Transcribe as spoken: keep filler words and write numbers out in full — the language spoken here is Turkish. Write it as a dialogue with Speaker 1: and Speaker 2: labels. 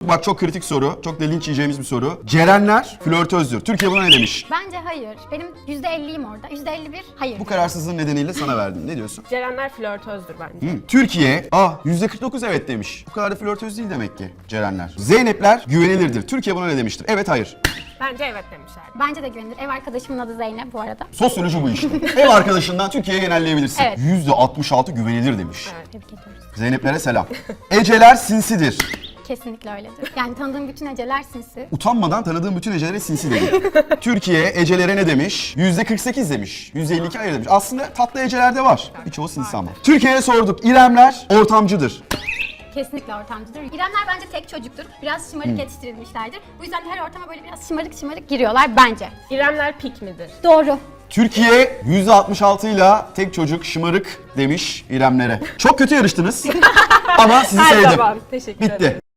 Speaker 1: bak çok kritik soru. Çok da linç yiyeceğimiz bir soru. Cerenler flörtözdür. Türkiye buna ne demiş?
Speaker 2: Bence hayır. Benim yüzde elliyim orada. yüzde elli bir hayır.
Speaker 1: Bu kararsızlığın nedeniyle sana verdim. Ne diyorsun?
Speaker 3: Cerenler flörtözdür bence.
Speaker 1: Hı. Türkiye, ah yüzde kırk dokuz evet demiş. Bu kadar da flörtöz değil demek ki Cerenler. Zeynepler güvenilirdir. Türkiye buna ne demiştir? Evet, hayır.
Speaker 3: Bence evet demişler.
Speaker 2: Bence de güvenilir. Ev arkadaşımın adı Zeynep bu arada.
Speaker 1: Sosyoloji bu işte. Ev arkadaşından Türkiye'ye genelleyebilirsin.
Speaker 2: Evet.
Speaker 1: yüzde altmış altı güvenilir demiş.
Speaker 3: Evet.
Speaker 2: Tebrik ediyoruz.
Speaker 1: Zeyneplere selam. Eceler sinsidir.
Speaker 2: Kesinlikle öyledir. Yani tanıdığım bütün eceler sinsi.
Speaker 1: Utanmadan tanıdığım bütün ecelere sinsi dedi. Türkiye ecelere ne demiş? yüzde kırk sekiz demiş. yüzde elli iki hayır demiş. Aslında tatlı eceler de var. Birçoğu sinsi ama. Türkiye'ye sorduk. İremler ortamcıdır.
Speaker 2: Kesinlikle ortamcıdır. İremler bence tek çocuktur. Biraz şımarık yetiştirilmişlerdir. Bu yüzden her ortama böyle biraz şımarık şımarık giriyorlar bence.
Speaker 3: İremler pik midir?
Speaker 2: Doğru.
Speaker 1: Türkiye yüzde altmış altı ile tek çocuk şımarık demiş İremlere. Çok kötü yarıştınız ama sizi
Speaker 3: Her
Speaker 1: sevdim.
Speaker 3: zaman. Teşekkür ederim.
Speaker 1: Bitti.